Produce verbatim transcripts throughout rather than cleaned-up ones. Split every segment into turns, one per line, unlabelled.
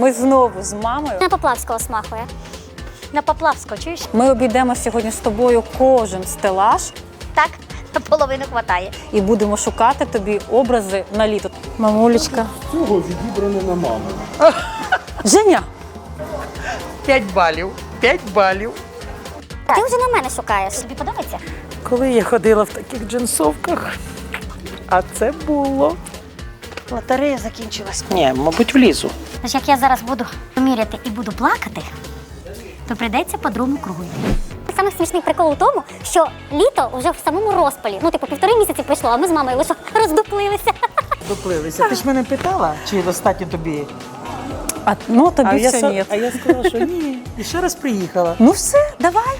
Ми знову з мамою.
На Поплавського смахує. На Поплавського, чуєш?
Ми обійдемо сьогодні з тобою кожен стелаж
Так, половину хватає.
і будемо шукати тобі образи на літо. Мамулечка.
Цього відібране на маму.
Женя!
П'ять балів. П'ять балів.
Ти вже на мене шукаєш. Тобі подобається?
Коли я ходила в таких джинсовках, а це було. Лотерея закінчилась. Ні, мабуть, влізу.
Тож як я зараз буду міряти і буду плакати, то прийдеться по другому кругу йти. Саме смішний прикол у тому, що літо вже в самому розпалі. Ну, типу, півтори місяці пройшло, а ми з мамою лише роздуплилися.
Доплилися. Ти ж мене питала, чи достатньо тобі?
А, ну, тобі
А я,
все
са-
ні.
а я сказала, що ні. І ще раз приїхала.
Ну все, давай.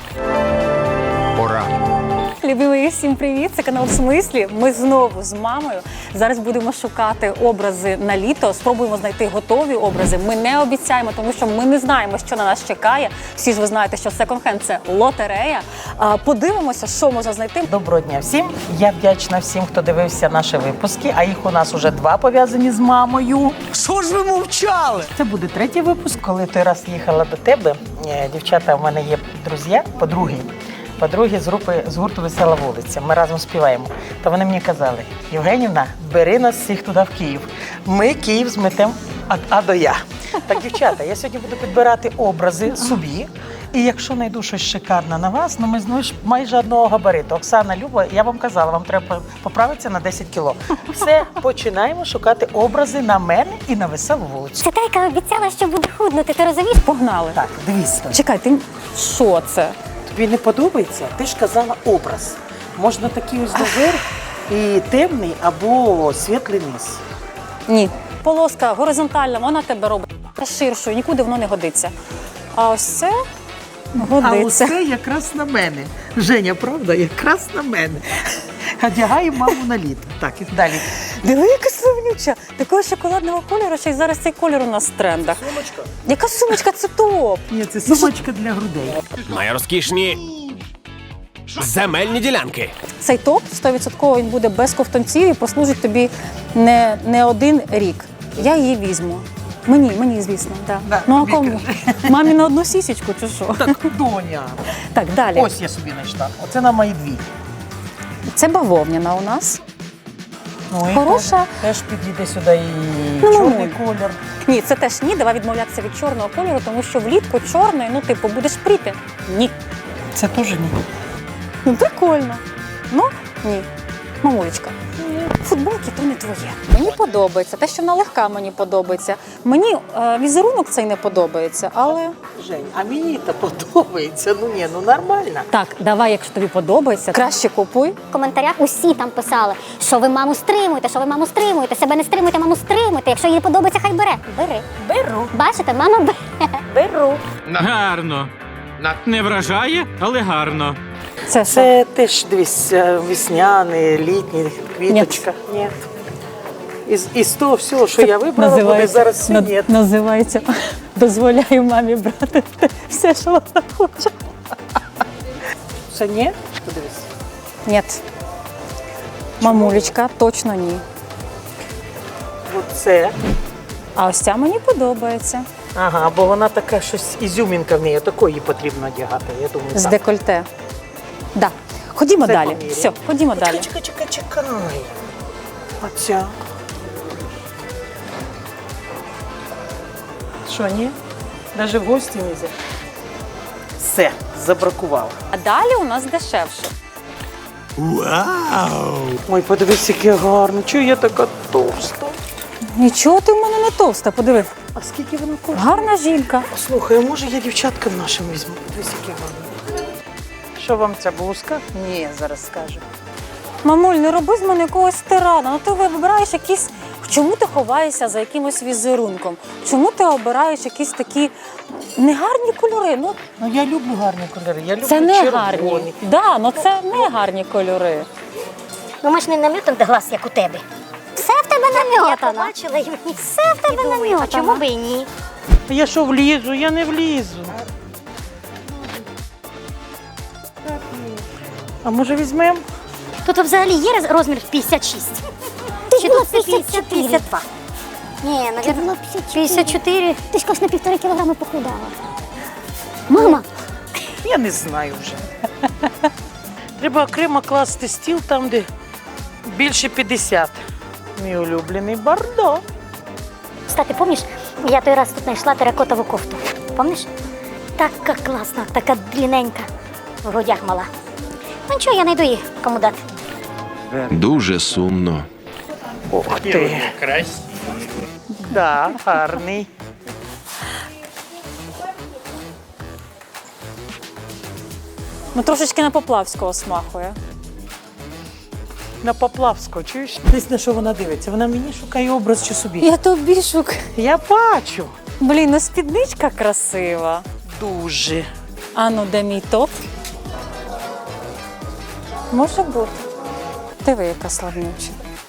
Пора.
Любимі, всім привіт! Це канал «В смислі». Ми знову з мамою. Зараз будемо шукати образи на літо. Спробуємо знайти готові образи. Ми не обіцяємо, тому що ми не знаємо, що на нас чекає. Всі ж ви знаєте, що секонд-хенд – це лотерея. А, Подивимося, що можна знайти.
Доброго дня всім. Я вдячна всім, хто дивився наші випуски, а їх у нас уже два пов'язані з мамою.
Що ж ви мовчали?
Це буде третій випуск. Коли той раз їхала до тебе, е, дівчата, в мене є друзі, подруги. Подруги з групи з гурту «Весела вулиця». Ми разом співаємо. То вони мені казали: Євгенівна, бери нас всіх туди в Київ. Ми Київ зметемо від А до Я. Так, дівчата, я сьогодні буду підбирати образи собі. І якщо знайду щось шикарне на вас, ну ми знову ж майже одного габариту. Оксана, Люба, я вам казала, вам треба поправитися на десять кіло. Все, починаємо шукати образи на мене і на «Веселу вулицю».
Це та, яка обіцяла, що буде худнути, ти розумієш?
Погнали.
Так, дивіться.
Чекай, ти що це?
Тобі не подобається? Ти ж казала образ. Можна такий ось доверх і темний або світлий низ.
Ні. Полоска горизонтальна, вона тебе робить ширшою, нікуди воно не годиться. А ось це
А
годиться.
оце якраз на мене. Женя, правда? Якраз на мене. Одягаємо маму на літо. Так, і далі.
Диви, яка сумнюча. Такого шоколадного кольору, ще й зараз цей кольор у нас в трендах.
Сумочка.
Яка сумочка? Це топ.
Ні, це сумочка для грудей.
Найрозкішні земельні ділянки.
Цей топ сто відсотків він буде без ковтунців і послужить тобі не, не один рік. Я її візьму. Мені, мені, звісно, так.
Да,
Ну а
тобі
кому? Мамі на одну сісечку чи що?
Так, доня.
Так, далі.
Ось я собі знайшла. Оце на мої дві.
Це бавовняна у нас.
Ну, і
Хороша.
Теж, теж підійде сюди і
Ну,
чорний
ну.
колір.
Ні, це теж ні, давай відмовлятися від чорного кольору, тому що влітку чорний, ну типу, будеш пріти. Ні.
Це теж ні.
Ну, прикольно. Ну, ні. Мамулечка, футболки то не твоє. Мені подобається. Те, що вона легка, мені подобається. Мені е, візерунок цей не подобається, але...
Жень, а мені це подобається. Ну ні, ну нормально.
Так, давай, якщо тобі подобається, краще купуй.
В коментарях усі там писали, що ви маму стримуєте, що ви маму стримуєте, себе не стримуєте, маму стримуєте. Якщо їй подобається, хай бере. Бери.
Беру.
Бачите, мама бере.
Беру.
Гарно. Не вражає, але гарно.
Це що?
Це теж дивись, е, весняний, літній, квіточка. Ні. Із, із того всього, що я вибрала, буде зараз все
над-
ні.
називається «Дозволяю мамі брати все, що вона хоче».
Це ні? Подивись.
Ні. Мамулечка, точно ні.
Оце.
А ось ця мені подобається.
Ага, бо вона така щось, ізюмінка в неї, такої її потрібно одягати. Я думаю,
З
так.
декольте. Да. Ходімо
Це
далі.
поміряємо.
Все, ходімо далі.
Чекай, чекай, чекай. Оця. Що, ні? Навіть в гості не взяти. Все, забракувала.
А далі у нас дешевше.
Вау!
Ой, подивись, яке гарно. Чого я така товста?
Нічого ти в мене не товста, подиви.
А скільки вона коштує?
Гарна жінка.
Слухай, а може я дівчаткам нашим візьму? Подивись, яке гарно. Що вам ця блузка? Ні, зараз скажу.
Мамуль, не роби з мене якогось тирана. Ну ти вибираєш якісь. Чому ти ховаєшся за якимось візерунком? Чому ти обираєш якісь такі негарні кольори? Ну,
Ну я люблю гарні кольори. Я люблю
це не
червоні.
гарні. Да, ну це не гарні кольори.
Ну, ми ж не намітом до глаз, як у тебе. Все в тебе намітано. Я побачила і мені все в тебе намітано. А чому би і ні?
А я що влізу? Я не влізу. А може візьмемо?
Тут взагалі є роз- розмір п'ятдесят шість. Чи тут п'ятдесят, п'ятдесят два? Ні, навірно, п'ятдесят чотири. Ти ж кажеш, на півтори кілограми похудала. Мама,
Я не знаю вже. Треба окремо класти стіл там, де більше п'ятдесят. Мій улюблений Бордо.
кстати, пам'ятаєш, я той раз тут знайшла теракотову кофту. Пам'ятаєш? Така класна, така длинненька. В грудях мала. Ну нічого, я знайду її, кому дати.
Дуже сумно.
Ох ти. Красивий. Да, гарний.
Ну трошечки на Поплавського смахує.
На Поплавського, чуєш? Десь на що вона дивиться? Вона мені шукає образ чи собі.
Я тобі шук.
Я бачу.
Блін, ну спідничка красива.
Дуже.
А ну, де мій топ? Може бути. Диви, яка славнюча.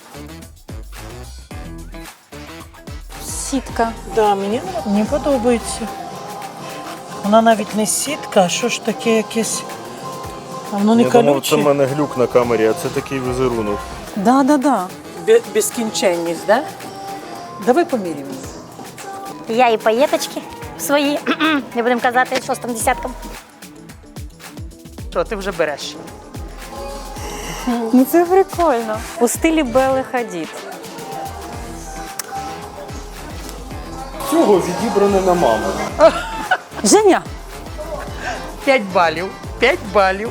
Сітка.
Да, мені, мені подобається. Вона навіть не сітка, а що ж таке якесь. А воно не
Я думав, це в
колюче.
мене глюк на камері, а це такий візерунок.
Да-да-да.
Бе- Безкінченність, да? Давай поміряємо.
Я і паєточки свої, не будемо казати, шостим десятком.
Що, ти вже береш?
Ну це прикольно. У стилі Белли Хадід.
Цього відібране на маму.
Женя!
П'ять балів. П'ять балів.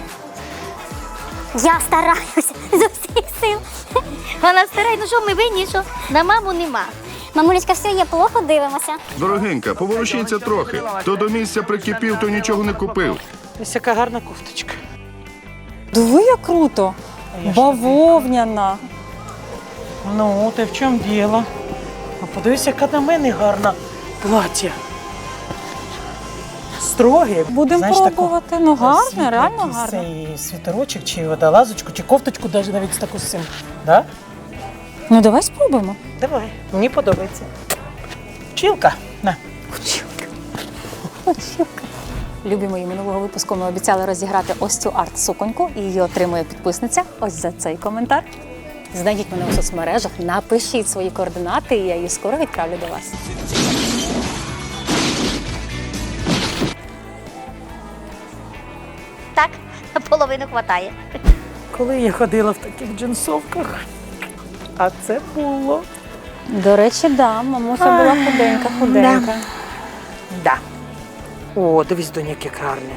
Я стараюся з усіх сил. Вона старає, ну що ми винні, що на маму нема. Мамулечка, все є, плохо дивимося.
Дорогенька, поворушіться трохи. Хто до місця прикипів, то нічого не купив.
Ось яка гарна кофточка.
Диви, як круто.
А я ж
Бавовняна.
Ну, ти в чому діло? А подивись, яка на мене гарна плаття. Строге.
Будемо
Знаєш, таку
пробувати. Ну гарне,
світло,
реально
якийсь
гарне.
цей світорочок, чи водолазочку, чи кофточку, навіть навіть з таку з цим. Да?
Ну давай спробуємо.
Давай, мені подобається. Вчилка. На.
Любі мої, минулого випуску ми обіцяли розіграти ось цю арт-суконьку, і її отримує підписниця ось за цей коментар. Знайдіть мене у соцмережах, напишіть свої координати, і я її скоро відправлю до вас.
Так, половину хватає.
Коли я ходила в таких джинсовках, а це було.
До речі, да, мамуся була худенька-худенька.
Да. О, дивись, доня, яке гарне.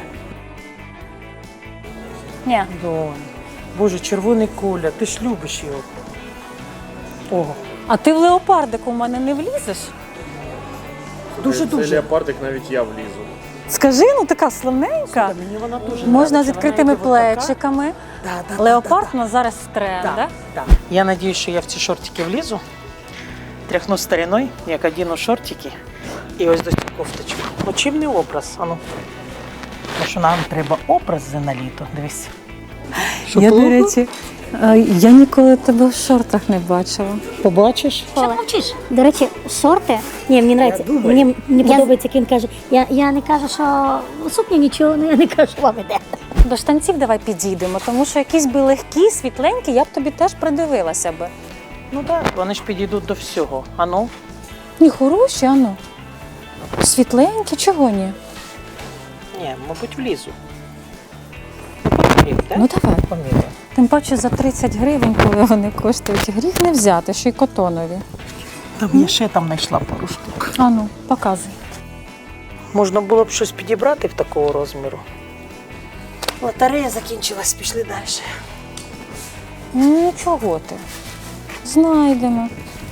Ні,
Донь. Боже, червоний колір, ти ж любиш його. О,
а ти в леопардику в мене не влізеш?
Цей
дуже-дуже.
леопардик навіть я влізу.
Скажи, ну така славненька.
Мені вона дуже
Можна з
нравиться.
відкритими
Вона йде отака.
плечиками.
Да, да,
Леопард
да,
у нас зараз в
да,
трендах.
да, да. Я надіюсь, що я в ці шортики влізу, тряхну стариною, як одіну шортики, і ось до цю кофточку. Ну чим не образ? Ану. Тому що нам треба образи на літо. Дивись.
Я, до речі, е, я ніколи тебе в шортах не бачила.
Побачиш?
Що ти мовчиш? До речі, шорти. Ні, мені подобається. Мені, мені подобається, як він каже. Я, я не кажу, що сукня нічого, ну я не кажу, що вам іде.
До штанців давай підійдемо, тому що якісь би легкі, світленькі, я б тобі теж придивилася би.
Ну так, вони ж підійдуть до всього. Ану.
Ні, хороші, ану. Світленькі, чого ні?
Ні, мабуть, влізу. Поміряй, так?
Ну давай.
Поміряй.
Тим паче за тридцять гривень, коли вони коштують, гріх не взяти, ще й котонові.
Там я ще там знайшла пару штук.
Ану, показуй.
Можна було б щось підібрати в такого розміру. Лотерея закінчилась, пішли далі.
Ну нічого ти. Знайдемо.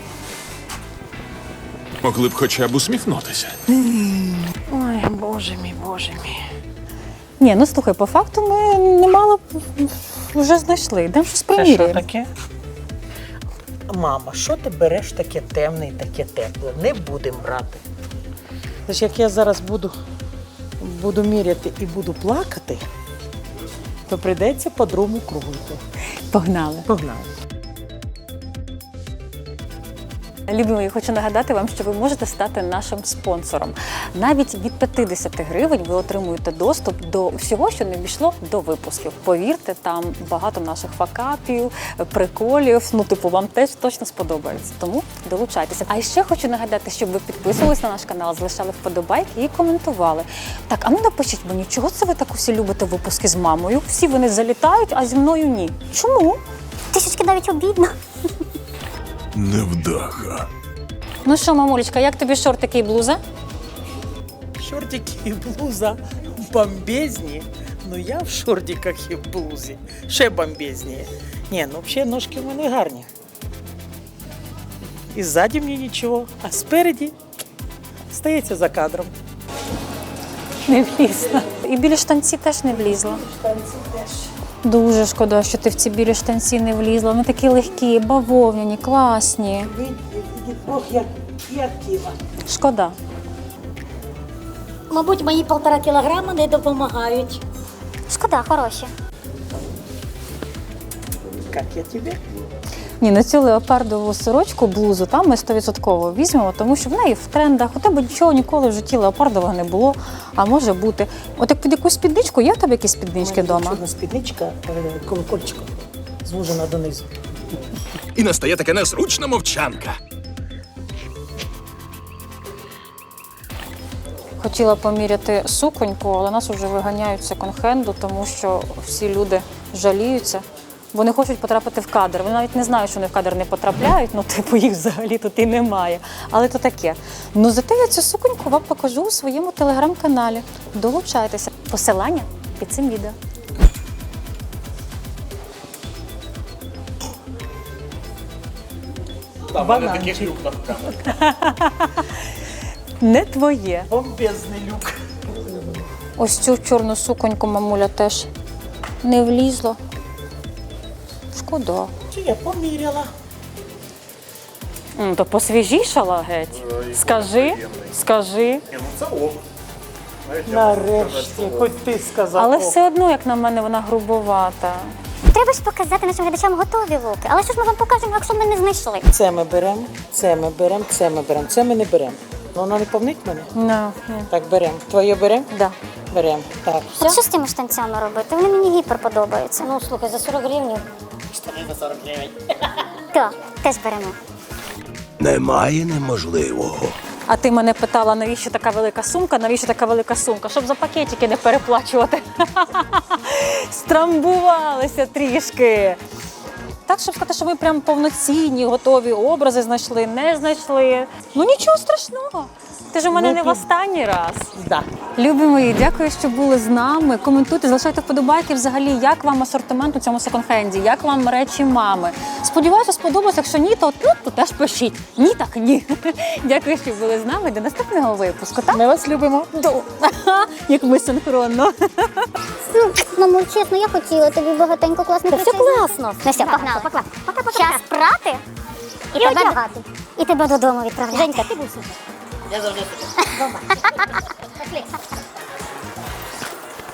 Могли б хоча б усміхнутися.
Ой, боже мій, боже мій.
Ні, ну слухай, по факту ми немало вже знайшли. Йдемо щось
Це що
приміряємо.
таке? Мама, що ти береш таке темне і таке тепле? Не будемо брати. Тож як я зараз буду, буду міряти і буду плакати, то прийдеться по-другому кругу йти.
Погнали.
Погнали.
Любі мої, хочу нагадати вам, що ви можете стати нашим спонсором. Навіть від п'ятдесят гривень ви отримуєте доступ до всього, що не війшло до випусків. Повірте, там багато наших факапів, приколів. Ну, типу, вам теж точно сподобається. Тому долучайтеся. А ще хочу нагадати, щоб ви підписувались на наш канал, залишали вподобайки і коментували. Так, а ну напишіть мені, чого це ви так усі любите випуски з мамою? Всі вони залітають, а зі мною ні. Чому?
Трішечки навіть обідно.
Невдаха.
Ну що, мамулечка, як тобі шортики і блуза?
Шортики і блуза бомбезні. Ну я в шортиках і в блузі. Ще бомбезніє. Ні, ну взагалі ножки в мене гарні. І ззаді мені нічого, а спереді стається за кадром.
Не влізла. І білі штанці теж не влізла. Дуже шкода, що ти в ці білі штанці не влізла. Вони такі легкі, бавовняні, класні.
Ох, як, як тіла.
Шкода.
Мабуть, мої півтора кілограми не допомагають. Шкода, хороші.
Як я тебе?
Ні, на цю леопардову сорочку, блузу, там ми сто відсотків візьмемо, тому що в неї в трендах. У тебе нічого ніколи в житті леопардового не було, а може бути. От як під якусь спідничку, є в тебе якісь спіднички вдома?
Чудна спідничка, е, колокольчиком, звужена донизу.
І настає така незручна мовчанка.
Хотіла поміряти суконьку, але нас вже виганяють з секонд-хенду, тому що всі люди жаліються. Вони хочуть потрапити в кадр. Вони навіть не знають, що вони в кадр не потрапляють, ну типу їх взагалі тут і немає. Але то таке. Ну зате я цю суконьку вам покажу у своєму телеграм-каналі. Долучайтеся. Посилання під цим відео.
Бананчик.
Не твоє.
Бомбезний люк.
Ось цю чорну суконьку мамуля теж не влізла. Шкода.
Чи я поміряла?
М, То посвіжішала геть. Скажи, скажи.
Ні, ну це ок.
Нарешті, хоч ти сказав.
Але
ок.
все одно, як на мене, вона грубовата.
Треба ж показати нашим глядачам готові луки. Але що ж ми вам покажемо, якщо ми не знайшли?
Це ми беремо, це ми беремо, це ми беремо, це ми не беремо. Ну, воно не повнить мене?
No, ні.
Так, беремо. Твоє беремо?
Да.
Беремо. Так.
От що з тими штанцями робити? Вони мені гіпер подобаються. Ну, слухай, за сорок гривень.
Штани за сорок гривень.
Так, теж беремо.
Немає неможливого.
А ти мене питала, навіщо така велика сумка, навіщо така велика сумка? Щоб за пакетики не переплачувати. Страмбувалися трішки. Так, щоб сказати, що ви прям повноцінні, готові образи знайшли, не знайшли. Ну нічого страшного. Ти ж у мене не в останній раз.
Да.
Любі мої, дякую, що були з нами. Коментуйте, залишайте вподобайки взагалі, як вам асортимент у цьому секонд-хенді, як вам речі мами. Сподіваюся, сподобалось. Якщо ні, то тут то теж пишіть. Ні, так ні. Дякую, що були з нами. До наступного випуску. Так?
Ми вас любимо.
Як ми синхронно.
Мамо, чесно, я хотіла тобі багатенько класних речей. Все класно. Ну все, погнали. Час прати і, і одягати. І тебе додому відправляти. Женька, ти будь супер. Я завжди супер.